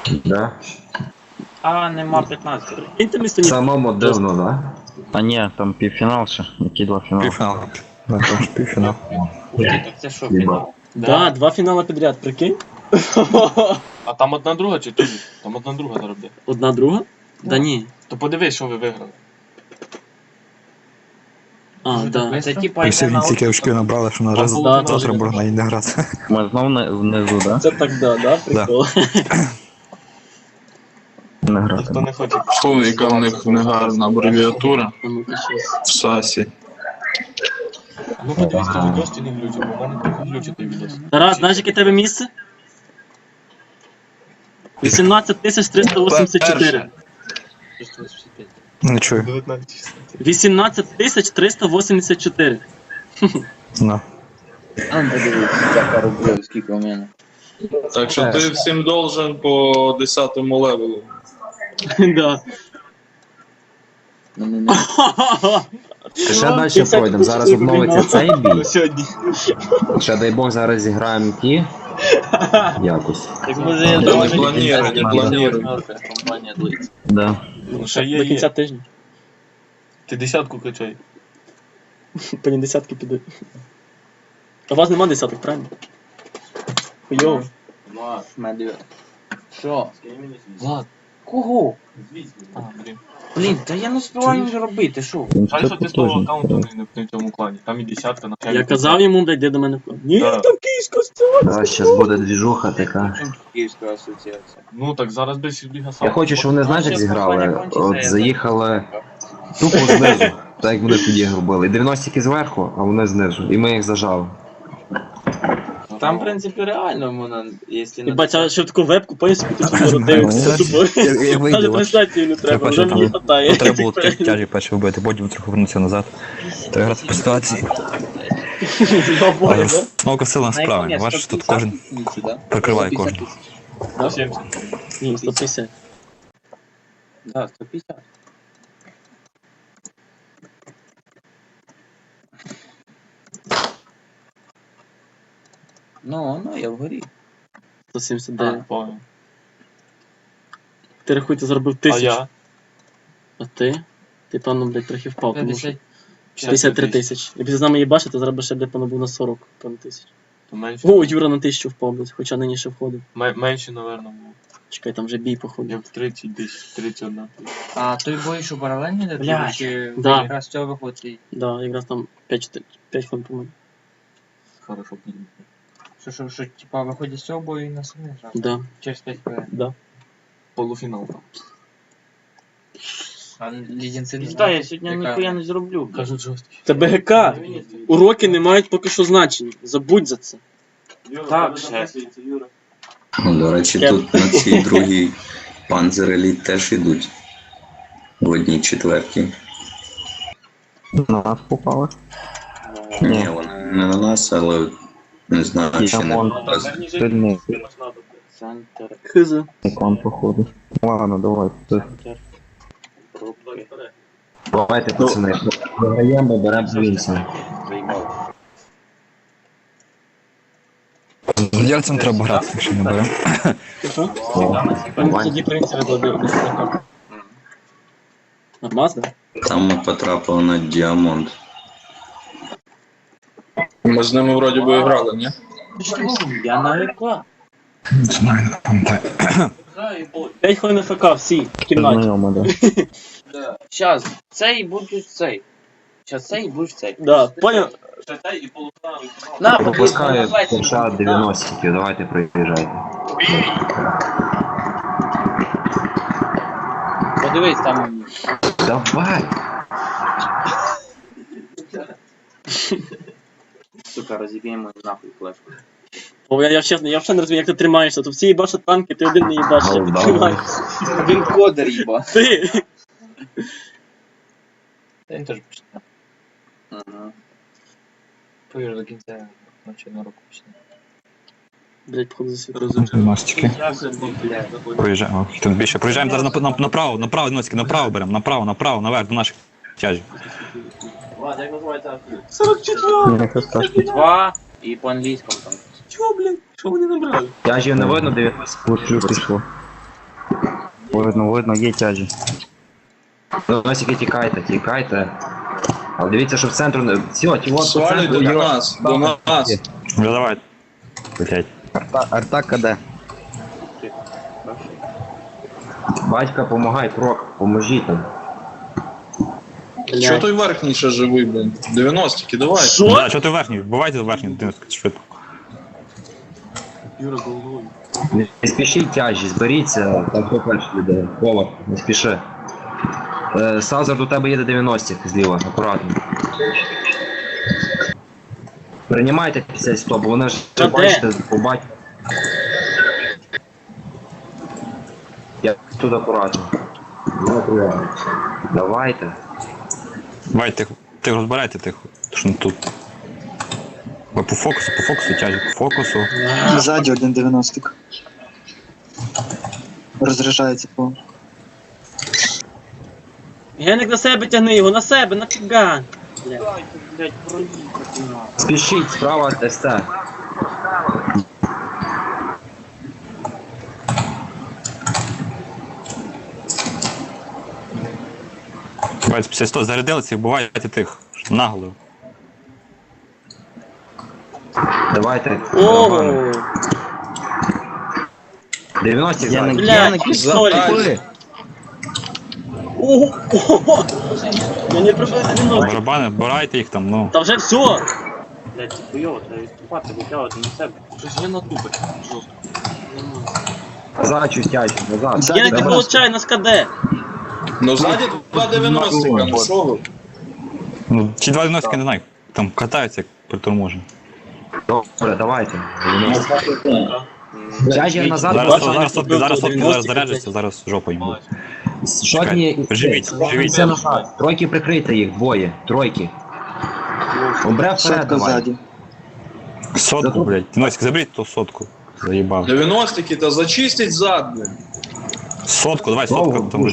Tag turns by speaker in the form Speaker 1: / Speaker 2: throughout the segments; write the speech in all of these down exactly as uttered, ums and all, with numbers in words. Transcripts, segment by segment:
Speaker 1: Да?
Speaker 2: А, нема п'ятнадцять.
Speaker 3: Інте місто ні.
Speaker 1: Самому дивно, да?
Speaker 4: А ні, там півфінал ще, які два фінали.
Speaker 5: Півфінал. Да, там ж півфінал.
Speaker 2: Ух ти, так це що,
Speaker 1: Єба.
Speaker 2: фінал?
Speaker 3: Да, два фінали підряд, прикинь.
Speaker 6: А там одна друга чи тобі? Там одна друга зараз буде.
Speaker 3: Одна друга? Да ні.
Speaker 6: То подивись, що ви виграли.
Speaker 3: А, да.
Speaker 2: Це типа
Speaker 5: І
Speaker 2: йде
Speaker 5: всі
Speaker 2: на
Speaker 5: стільки очків набрали, що на раз
Speaker 6: Там
Speaker 3: Да,
Speaker 5: завтра
Speaker 3: да.
Speaker 5: можна і не грати.
Speaker 4: Ми знов не, внизу, да?
Speaker 3: Це так, да, да, прикол.
Speaker 4: Не грати.
Speaker 6: Ніхто не хоче.
Speaker 7: Фу, яка в них негарна абревіатура
Speaker 3: А ну-ка щас.
Speaker 7: в САСі.
Speaker 6: А ну подивись, ти відос чи не глючить, бо в мене трохи глючить той відос.
Speaker 3: Тарас, знаєш, яке тебе місце? вісімнадцять тисяч триста вісімдесят чотири.
Speaker 5: Не чую.
Speaker 6: дев'ятнадцять.
Speaker 3: вісімнадцять тисяч триста вісімдесят чотири.
Speaker 5: Ну.
Speaker 2: А, ну подивись, яка рублів, скільки у мене.
Speaker 7: Так що ти всім должен по десятому левелу.
Speaker 3: Да.
Speaker 2: Ну, не, не.
Speaker 1: Ще далі пройдемо. Зараз обновиться цей бій.
Speaker 3: Сьогодні.
Speaker 1: Ще дай Бог зараз зіграємо ті. Якось.
Speaker 2: Так може я
Speaker 7: не
Speaker 2: думаю,
Speaker 7: планіруй, не планіруй.
Speaker 2: компанія длиться.
Speaker 4: Да.
Speaker 6: Ну ще є,
Speaker 3: До кінця
Speaker 6: є.
Speaker 3: тижня.
Speaker 6: Ти десятку качай.
Speaker 3: По ній десятки підуть. А у вас нема десяток, правильно? Хуйово.
Speaker 2: Влад, медведь. Що?
Speaker 6: Влад.
Speaker 2: Кого?
Speaker 6: А, блін.
Speaker 2: Блін, та я не встигаю вже робити, що?
Speaker 4: Він
Speaker 6: Жаль,
Speaker 4: все
Speaker 6: що ти з того
Speaker 4: потужний.
Speaker 6: аккаунту не, не в цьому клані. Там і десятка на
Speaker 3: Я казав йому, блядь, де до мене входить. Ні,
Speaker 6: Да.
Speaker 3: там київська стіла.
Speaker 1: Да, зараз буде двіжуха така.
Speaker 2: Київська асоціація.
Speaker 6: Ну так зараз без Ліга сам.
Speaker 1: Я хочу, щоб вони, знаєш, як
Speaker 2: Щас
Speaker 1: зіграли.
Speaker 2: компанія кончиться,
Speaker 1: От
Speaker 2: я
Speaker 1: заїхали тупо знизу. Так як вони тоді робили. І дев'яностики зверху, а вони знизу. І ми їх зажали.
Speaker 2: Там, в принципі, реально можна, якщо
Speaker 3: І бача, що в таку вебку, поїзд, тут скоро дивишся тупо.
Speaker 5: Я- я вийду,
Speaker 3: Навіть
Speaker 5: бач.
Speaker 3: трансляцію не треба,
Speaker 5: Треба,
Speaker 3: вже
Speaker 5: що
Speaker 3: мені
Speaker 5: там-
Speaker 3: хватає.
Speaker 5: Треба було такі тяжі перші вбити, потім трохи повернутися назад. Треба грати по ситуації. Але смока сила справи. Бачиш, тут кожен прикриває кожного.
Speaker 6: сто сімдесят.
Speaker 3: Ні, сто п'ятдесят.
Speaker 2: Да, сто п'ятдесят. Ну, ну, я вгорі.
Speaker 3: сто сімдесят
Speaker 6: А,
Speaker 3: дев'ять.
Speaker 6: понял.
Speaker 3: Ти рахуй, ти заробив
Speaker 6: А
Speaker 3: тисячу.
Speaker 6: я?
Speaker 3: А ти? Ти, певно, блядь, трохи впав, тому що
Speaker 2: п'ятдесят.
Speaker 3: п'ятдесят три тисячі. Якби ти з нами їбашив, то заробив ще, блядь, певно, був на сорок, певно, тисяч.
Speaker 6: То менше.
Speaker 3: О, Юра на тисячу впав, блядь, хоча нині ще входив.
Speaker 6: Ме- Менше, напевно, було.
Speaker 3: Чекай, там вже бій, походу.
Speaker 6: Я в тридцять десь, тридцять один.
Speaker 2: А той бой, що паралельно йде?
Speaker 3: Блядь,
Speaker 2: Чи
Speaker 3: да.
Speaker 2: якраз з цього виходить?
Speaker 3: Да, якраз там п'ять хвилин по-моєму.
Speaker 6: Хорошо підійде.
Speaker 2: Що, що, що, типа, виходить з цього бою і на самі грати?
Speaker 3: Да,
Speaker 2: Через п'ять хвилин.
Speaker 3: да.
Speaker 6: Полуфінал там.
Speaker 2: А лідінці не
Speaker 3: Пізда, я
Speaker 2: знають,
Speaker 3: сьогодні
Speaker 2: яка-
Speaker 3: ніхуя не зроблю. блядь.
Speaker 6: Кажуть жорсткий.
Speaker 3: Це БГК. Уроки не мають поки що значення. Забудь за це.
Speaker 2: Так, шеф.
Speaker 8: Ну, до речі,
Speaker 3: Я-
Speaker 8: тут на цій другій Panzer Elite теж йдуть в одній четвертій.
Speaker 4: На нас попали.
Speaker 8: Ні, вони не на нас, але не знаю, чи не
Speaker 4: Діамонт.
Speaker 8: на нас.
Speaker 4: Сильний
Speaker 2: Центр,
Speaker 3: Хз.
Speaker 4: ікон, походу. Ладно, давай. Ти.
Speaker 2: рубки,
Speaker 1: Давайте, пацани. Виграємо, беремо Вінса.
Speaker 2: займав.
Speaker 5: З Єльцем треба грати, якщо не беремо.
Speaker 3: Що? Вони тоді принцип викладив. Нормас, да?
Speaker 8: Там ми потрапили на Діамонт.
Speaker 7: Ми з ними вроді би грали, ні?
Speaker 2: Я на ВК.
Speaker 5: Не знаю, не пам'ятаю.
Speaker 3: п'ять хвилин ФК, всі, в кімнаті.
Speaker 4: Знайомо, да.
Speaker 2: Щас, цей будуть цей. Щас цей будеш цей.
Speaker 3: Да, понял?
Speaker 6: І полуфінал, і фінал.
Speaker 2: На,
Speaker 1: Пропускає
Speaker 2: подивись,
Speaker 1: США дев'яностиків, давайте приїжджайте.
Speaker 2: Подивись, там
Speaker 1: Давай!
Speaker 2: сука, розіб'ємо нахуй флешку.
Speaker 3: Бо я, я, чесно, я взагалі не розумію, як ти тримаєшся. То всі їбашать танки, ти один не їбаш, як ти
Speaker 1: Голда.
Speaker 3: тримаєшся.
Speaker 2: Він кодер, їба.
Speaker 3: Ти!
Speaker 2: Він теж почне. Ага. Повір до кінця навчального року почне.
Speaker 3: Блять, походу засвітив.
Speaker 5: Мастики. Проїжджаємо. Тут більше. Проїжджаємо зараз на- на- направо, направо, носики, направо беремо, направо, направо, наверх до наших тяжів.
Speaker 3: сорок четыре!
Speaker 4: Нехай страшно.
Speaker 2: Два і по англійському там.
Speaker 3: Чого, блядь? Що вони набрали?
Speaker 1: Тяжів не видно, дев'яностик.
Speaker 4: Плюс пішло. Видно, видно, є тяжі.
Speaker 1: Дев'яностики тікайте, тікайте. Але дивіться, що в центру не... Все, ті от по
Speaker 7: Свалюйте
Speaker 1: центру
Speaker 7: до
Speaker 1: є-
Speaker 7: нас, до нас.
Speaker 5: Ну давай. Блять.
Speaker 4: Арта, арта КД.
Speaker 1: Батька, помагай, крок, поможіть там.
Speaker 7: Чого той верхній ще живий, блін? дев'яностики, давай.
Speaker 3: Що?
Speaker 5: Да, що ти верхній? Бувайте верхній, ти швидко.
Speaker 6: Юра головою.
Speaker 1: Не не спішіть тяжі, зберіться, там хто перший йде. Повар, не спіши. Е, Сазар, до тебе їде дев'яностик зліва, акуратно. Приймайте п'ятдесят сто, бо вони ж,
Speaker 3: Та де?
Speaker 1: бачите, побачите. Я тут акуратно. Ну, акуратно. Давайте.
Speaker 5: Давай, тихо. Ти розбирайте тихо. Ти ж не тут. Ви по фокусу, по фокусу, тяжі, по фокусу.
Speaker 9: Ззаді один дев'яностик. Розряджається по.
Speaker 3: Геник на себе тягни його, на себе, нафіга. Блядь, блядь, проїхати.
Speaker 1: Спішіть, справа СТ.
Speaker 5: Давайте п'ятдесят сто зарядилися і бувайте тих. Наголо.
Speaker 1: Давайте.
Speaker 3: Ого!
Speaker 1: дев'яносто
Speaker 4: Я не
Speaker 1: ззаді.
Speaker 3: Блядь, пістолет.
Speaker 7: Запаль.
Speaker 3: Ого! Ого! Мені приблизно дев'яносто.
Speaker 5: Барабани, барайте їх там, ну.
Speaker 3: Та вже все! Блядь, хуйово, треба відступати, витягувати на себе.
Speaker 6: Щось є на тупик. Жорстко.
Speaker 1: Назад чуть тяжі, назад.
Speaker 9: Ззаді
Speaker 3: Геник, ти
Speaker 1: Давай.
Speaker 3: получай, нас КД.
Speaker 7: Ну ззаді два дев'яностика, ну що ви?
Speaker 5: Ну, ці два дев'яностики не знаю. Там катаються, як приторможені.
Speaker 1: Добре, давайте. Тяжі назад.
Speaker 5: Зараз,
Speaker 3: бачиш,
Speaker 5: зараз, сотки, зараз сотки, зараз
Speaker 3: дев'яносто,
Speaker 5: заряджаться, зараз жопу їм.
Speaker 1: Шотні.
Speaker 5: Живіть, живіть.
Speaker 1: Це назад. Тройки прикрийте їх, двоє. Тройки. Обре вперед,
Speaker 9: Сотка
Speaker 1: давай.
Speaker 9: ззаді.
Speaker 5: Сотку, блядь. Носик, заберіть ту сотку. Заїбав.
Speaker 7: дев'яностики, та зачистить зад, блін.
Speaker 5: Сотку, давай
Speaker 1: Довго
Speaker 5: сотку. Там...
Speaker 1: буде.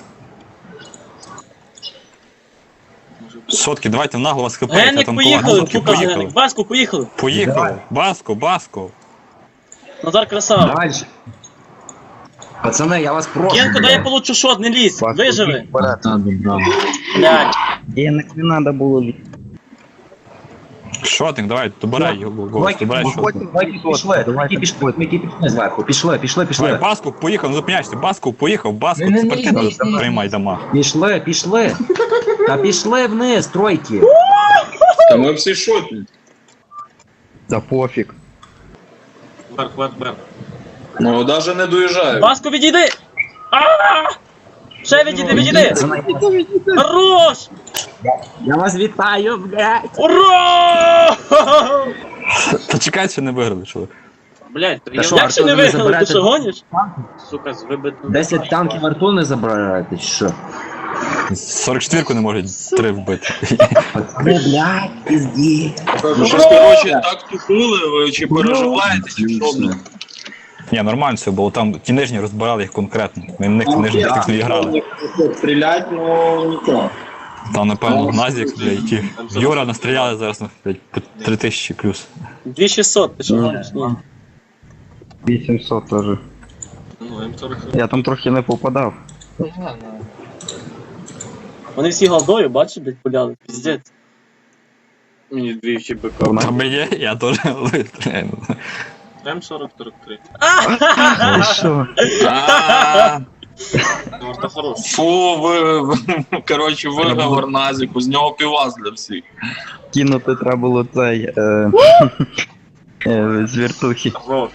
Speaker 5: Сотки, давайте в нагло вас хп.
Speaker 3: Геник,
Speaker 5: там
Speaker 3: поїхали,
Speaker 5: сотки,
Speaker 3: сука,
Speaker 5: поїхали.
Speaker 3: Геник, Баску, поїхали.
Speaker 5: Поїхали. Баско, баско.
Speaker 3: Назар красава.
Speaker 1: Дальше. Пацани, я вас прошу.
Speaker 3: Генко, дай я
Speaker 1: блядь.
Speaker 3: получу шот, не лізь,
Speaker 4: Паску,
Speaker 3: виживи.
Speaker 4: вперед.
Speaker 3: Блядь.
Speaker 4: Геник, не треба було лізти.
Speaker 5: Шотник, давай, добирай його, голос,
Speaker 1: Тройки,
Speaker 5: добирай шотник.
Speaker 1: тройки пішли, тройки пішли, тройки пішли зверху. Пішли, пішли,
Speaker 5: Давай,
Speaker 1: пішли.
Speaker 5: Баску, поїхав, не зупиняйся. Баску, поїхав, Баску, це партida, приймай дома.
Speaker 1: Пішли, пішли. Та пішли вниз, тройки.
Speaker 7: Та ми всі шотні.
Speaker 4: Та пофіг.
Speaker 6: Вверх, вверх, вверх.
Speaker 7: Ну, навіть не доїжджаю.
Speaker 3: Баску, відійди! А! Ще відійди, відійди!
Speaker 1: Пацани,
Speaker 3: Хорош!
Speaker 1: я вас вітаю, блядь.
Speaker 3: Ура!
Speaker 5: Та чекай, що не виграли, чоловік.
Speaker 3: Блядь,
Speaker 1: Та
Speaker 3: я
Speaker 1: що,
Speaker 3: як ще не
Speaker 1: Артур, ви
Speaker 3: виграли, ти
Speaker 1: заберете?
Speaker 3: що гониш? Сука, з вибитим.
Speaker 1: десять танків арту не забираєте, чи що?
Speaker 5: сорок четвірку не можуть три вбити.
Speaker 1: Пацани, блядь, пізді.
Speaker 7: Ви щось, коротше, так тупили, ви чи переживаєте, чи що, блін?
Speaker 5: Ні, нормально все було, там ті нижні розбирали їх конкретно. Ми в них нижні тактично не грали.
Speaker 7: Стрілять, ну нічого.
Speaker 5: Там, напевно, Назік, блядь, ті. Юра настріляли зараз, ну, блядь, по три тисячі плюс.
Speaker 3: дві шістсот, ти що гониш? Ні.
Speaker 4: вісімсот теж.
Speaker 6: Ну, М сорок.
Speaker 4: Я там трохи не попадав.
Speaker 3: Вони всі голдою, бачиш, блядь, пуляли, піздець.
Speaker 2: Мені двічі бика.
Speaker 5: Там є, я теж вистріляю.
Speaker 6: М сорок сорок три.
Speaker 4: Ти що?
Speaker 6: Ну, це хорош.
Speaker 7: Фу, ви, ви- коротше, виговор Назіку, з нього півас для всіх.
Speaker 4: Кинути треба було цей. Е... е, з вертухи.
Speaker 6: Хорош.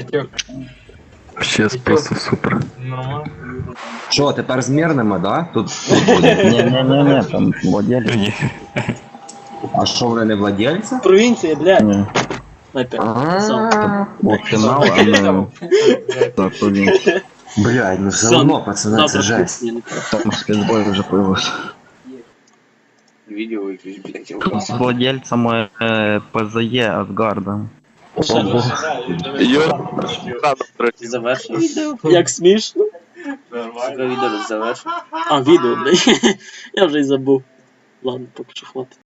Speaker 4: Ще просто супер.
Speaker 6: Нормально.
Speaker 1: Що, тепер з мирними, да? Тут, тут буде.
Speaker 4: Ні, ні, ні, ні, там владелі.
Speaker 5: Ні.
Speaker 1: А що, вони не владельці?
Speaker 3: Провінція, блядь.
Speaker 4: Ні.
Speaker 3: Снайпер.
Speaker 1: А,
Speaker 4: О, фінал, а не. Так, то він.
Speaker 1: блядь, ну все
Speaker 3: Сон.
Speaker 1: одно, пацани, це
Speaker 3: Завтра
Speaker 1: жесть.
Speaker 3: кухня, не треба.
Speaker 4: Там спецбой вже появився.
Speaker 2: Відео якесь, блядь.
Speaker 4: З владельцем е, ПЗЄ Асгарда.
Speaker 3: Ще
Speaker 7: Юра,
Speaker 3: завершив. Як смішно.
Speaker 2: Сука, відео завершив.
Speaker 3: А, відео, блядь. Я вже й забув. Ладно, поки що хватить.